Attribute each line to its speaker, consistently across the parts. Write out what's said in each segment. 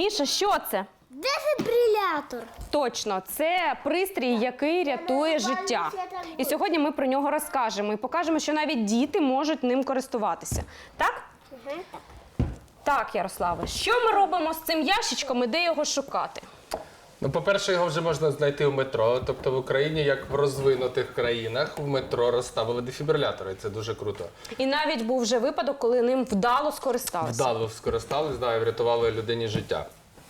Speaker 1: Міша, що це?
Speaker 2: Дефібрилятор.
Speaker 1: Точно, це пристрій, який рятує життя. І сьогодні ми про нього розкажемо і покажемо, що навіть діти можуть ним користуватися. Так? Так, Ярославе, що ми робимо з цим ящичком і де його шукати?
Speaker 3: Ну, по-перше, його вже можна знайти в метро. Тобто в Україні, як в розвинутих країнах, в метро розставили дефібрилятори. Це дуже круто.
Speaker 1: І навіть був вже випадок, коли ним вдало скористалися.
Speaker 3: Вдало скористались, да, і врятували людині життя.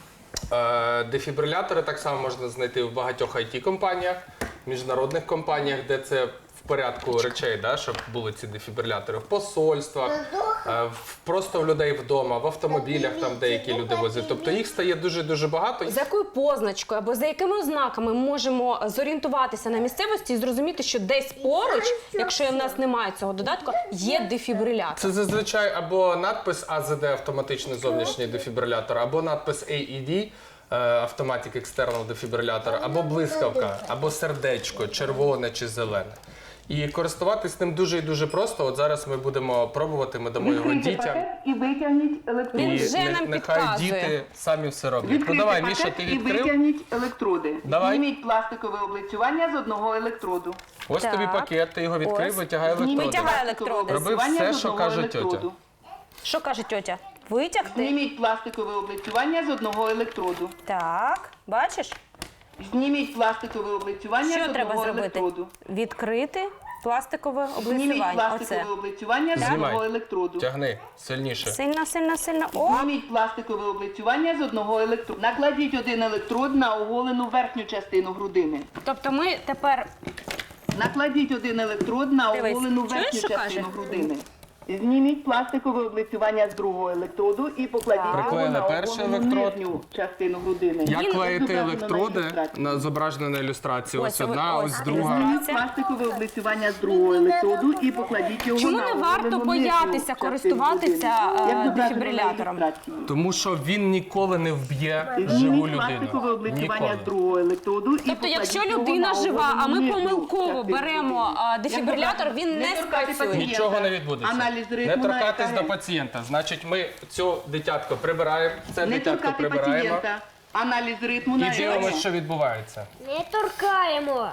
Speaker 3: Дефібрилятори так само можна знайти в багатьох IT-компаніях, міжнародних компаніях, де це в порядку речей, да, щоб були ці дефібрилятори. В посольствах, просто в людей вдома, в автомобілях, там деякі люди возять. Тобто їх стає дуже-дуже багато.
Speaker 1: За якою позначкою або за якими ознаками ми можемо зорієнтуватися на місцевості і зрозуміти, що десь поруч, якщо в нас немає цього додатку, є дефібрилятор?
Speaker 3: Це зазвичай або надпис АЗД, автоматичний зовнішній дефібрилятор, або надпис AED, Automatic External Defibrillator, або блискавка, або сердечко, червоне чи зелене. І користуватись ним дуже і дуже просто. От зараз ми будемо пробувати, ми дамо його дітям.
Speaker 4: І витягніть електроди.
Speaker 1: Він
Speaker 3: І
Speaker 1: вже нам
Speaker 3: нехай
Speaker 1: підказує.
Speaker 3: діти самі все роблять.
Speaker 4: Відкрийте
Speaker 3: Ну давай,
Speaker 4: пакет
Speaker 3: Міша, ти
Speaker 4: і
Speaker 3: відкрив.
Speaker 4: витягніть електроди.
Speaker 3: Давай.
Speaker 4: Зніміть пластикове облицювання з одного електроду.
Speaker 3: Ось
Speaker 1: Так.
Speaker 3: тобі пакет, ти його відкрив,
Speaker 1: Ось.
Speaker 3: витягай електроди.
Speaker 1: Витягай
Speaker 4: пластикове
Speaker 1: електроди.
Speaker 3: Роби
Speaker 4: облицювання
Speaker 3: все,
Speaker 4: з
Speaker 3: що
Speaker 4: одного
Speaker 3: каже тьотя.
Speaker 4: електроду.
Speaker 1: Що каже тьотя? Витягти?
Speaker 4: Зніміть пластикове облицювання з одного електроду.
Speaker 1: Так, бачиш?
Speaker 4: Зніміть пластикове облицювання
Speaker 1: Що
Speaker 4: з
Speaker 1: треба
Speaker 4: одного
Speaker 1: зробити?
Speaker 4: електроду.
Speaker 1: Відкрити пластикове
Speaker 4: Зніміть
Speaker 1: облицювання.
Speaker 4: пластикове
Speaker 1: Оце.
Speaker 4: облицювання з
Speaker 3: Знімай.
Speaker 4: одного електроду.
Speaker 3: Тягни, сильніше.
Speaker 1: Сильно, сильно, сильно. О!
Speaker 4: Зніміть пластикове облицювання з одного електроду. Накладіть один електрод на оголену верхню частину грудини.
Speaker 1: Тобто ми тепер...
Speaker 4: Накладіть один електрод на
Speaker 1: Дивись,
Speaker 4: оголену
Speaker 1: чуєш,
Speaker 4: верхню
Speaker 1: що
Speaker 4: частину
Speaker 1: каже?
Speaker 4: грудини. Зніміть пластикове облицювання з другого електроду і покладіть його
Speaker 3: Приклеїли
Speaker 4: на
Speaker 3: перший
Speaker 4: оголену
Speaker 3: електрод.
Speaker 4: нижню частину грудини.
Speaker 3: Як
Speaker 1: Він
Speaker 3: клеїти
Speaker 4: зображено на
Speaker 3: електроди,
Speaker 4: ілюстрації.
Speaker 3: зображено на ілюстрації. Ось
Speaker 1: Ось,
Speaker 3: одна,
Speaker 1: ось,
Speaker 3: ось
Speaker 1: ось.
Speaker 3: друга.
Speaker 4: Зніміть пластикове облицювання з другого електроду і покладіть його
Speaker 1: Чому
Speaker 4: на
Speaker 1: не
Speaker 4: оголену
Speaker 1: варто
Speaker 4: нижню
Speaker 1: боятися
Speaker 4: частину
Speaker 1: користуватися,
Speaker 4: грудини, як зображено на
Speaker 1: дефібрилятором?
Speaker 4: ілюстрації.
Speaker 3: Тому що він ніколи не вб'є живу
Speaker 4: Зніміть пластикове
Speaker 3: людину.
Speaker 4: облицювання
Speaker 3: Ніколи.
Speaker 4: з другого електроду і
Speaker 1: Тобто,
Speaker 4: покладіть
Speaker 1: якщо
Speaker 4: його
Speaker 1: людина
Speaker 4: на
Speaker 1: жива, а ми
Speaker 4: оголену нижню
Speaker 1: помилково
Speaker 4: частину
Speaker 1: беремо
Speaker 4: грудини.
Speaker 1: дефібрилятор,
Speaker 4: Як
Speaker 1: він не
Speaker 4: торкати
Speaker 1: спрацює.
Speaker 4: пацієнта.
Speaker 3: Нічого не відбудеться.
Speaker 4: Аналіз
Speaker 3: Не
Speaker 4: ритму на
Speaker 3: торкатись
Speaker 4: ЕКГ.
Speaker 3: до пацієнта. Значить, ми цю дитятко прибираємо, це
Speaker 4: Не
Speaker 3: дитятко
Speaker 4: торкати
Speaker 3: прибираємо
Speaker 4: пацієнта. Аналіз ритму на
Speaker 3: і дивимося,
Speaker 4: ЕКГ.
Speaker 3: що відбувається.
Speaker 2: Не торкаємо.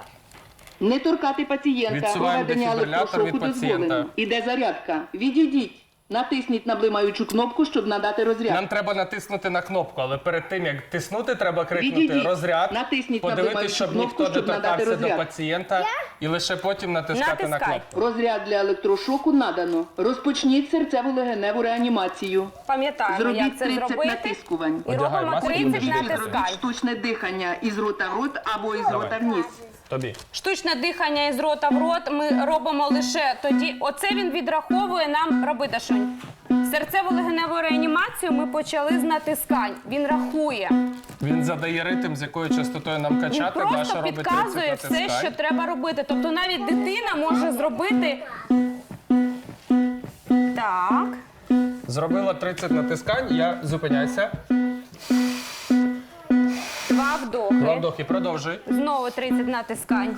Speaker 4: Не торкати пацієнта.
Speaker 3: Відсуваємо
Speaker 4: Проведення
Speaker 3: дефібрилятор від
Speaker 4: електрошоку
Speaker 3: пацієнта.
Speaker 4: дозволено. Іде зарядка. Відійдіть. Натисніть на блимаючу кнопку, щоб надати розряд.
Speaker 3: Нам треба натиснути на кнопку, але перед тим, як тиснути, треба крикнути
Speaker 4: Відійдіть.
Speaker 3: розряд,
Speaker 4: Натисніть на
Speaker 3: подивитися,
Speaker 4: блимаючу
Speaker 3: щоб
Speaker 4: кнопку,
Speaker 3: ніхто не
Speaker 4: щоб надати
Speaker 3: торкався до
Speaker 4: розряд.
Speaker 3: пацієнта, і лише потім натискати на
Speaker 1: Натискай.
Speaker 3: кнопку.
Speaker 4: Розряд для електрошоку надано. Розпочніть серцево-легеневу реанімацію.
Speaker 1: Пам'ятаємо, як
Speaker 4: Зробіть
Speaker 1: це
Speaker 4: 30
Speaker 1: зробити.
Speaker 4: натискувань.
Speaker 1: І
Speaker 3: Одягай
Speaker 1: робимо
Speaker 3: маску і
Speaker 1: 30
Speaker 3: біжи.
Speaker 4: Зробіть
Speaker 1: натискань.
Speaker 4: штучне дихання із рота в рот або із рота в ніс.
Speaker 3: Тобі.
Speaker 1: Штучне дихання із рота в рот ми робимо лише тоді. Оце він відраховує нам, роби, Дашунь. Серцево-легеневу реанімацію ми почали з натискань. Він рахує.
Speaker 3: Він задає ритм, з якою частотою нам
Speaker 1: Він
Speaker 3: качати. Даша
Speaker 1: просто
Speaker 3: робить
Speaker 1: підказує
Speaker 3: 30
Speaker 1: все,
Speaker 3: натискань.
Speaker 1: що треба робити. Тобто навіть дитина може зробити. Так.
Speaker 3: Зробила 30 натискань, я зупиняйся.
Speaker 1: 2 вдохи.
Speaker 3: Два вдохи, продовжуй.
Speaker 1: Знову 30 натискань.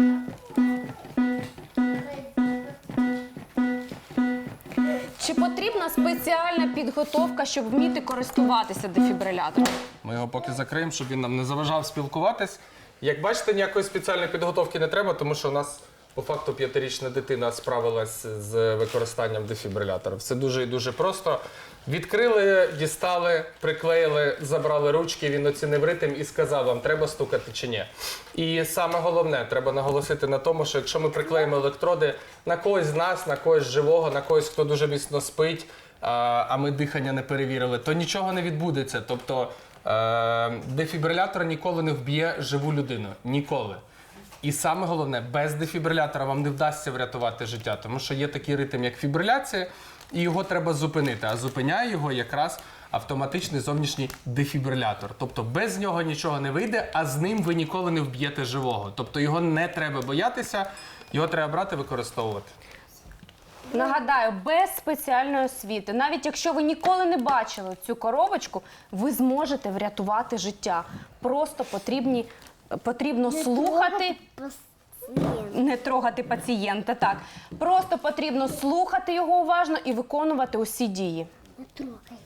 Speaker 1: Чи потрібна спеціальна підготовка, щоб вміти користуватися дефібрилятором?
Speaker 3: Ми його поки закриємо, щоб він нам не заважав спілкуватись. Як бачите, ніякої спеціальної підготовки не треба, тому що у нас по факту 5-річна дитина справилась з використанням дефібрилятора. Все дуже і дуже просто. Відкрили, дістали, приклеїли, забрали ручки, він оцінив ритм і сказав вам, треба стукати чи ні. І саме головне, треба наголосити на тому, що якщо ми приклеїмо електроди на когось з нас, на когось живого, на когось, хто дуже міцно спить, а ми дихання не перевірили, то нічого не відбудеться. Тобто дефібрилятор ніколи не вб'є живу людину. Ніколи. І саме головне, без дефібрилятора вам не вдасться врятувати життя, тому що є такий ритм, як фібриляція, і його треба зупинити. А зупиняє його якраз автоматичний зовнішній дефібрилятор. Тобто без нього нічого не вийде, а з ним ви ніколи не вб'єте живого. Тобто його не треба боятися, його треба брати, використовувати.
Speaker 1: Нагадаю, без спеціальної освіти, навіть якщо ви ніколи не бачили цю коробочку, ви зможете врятувати життя. Просто потрібно слухати, не трогати пацієнта, так. Просто потрібно слухати його уважно і виконувати усі дії.
Speaker 2: Не трогай.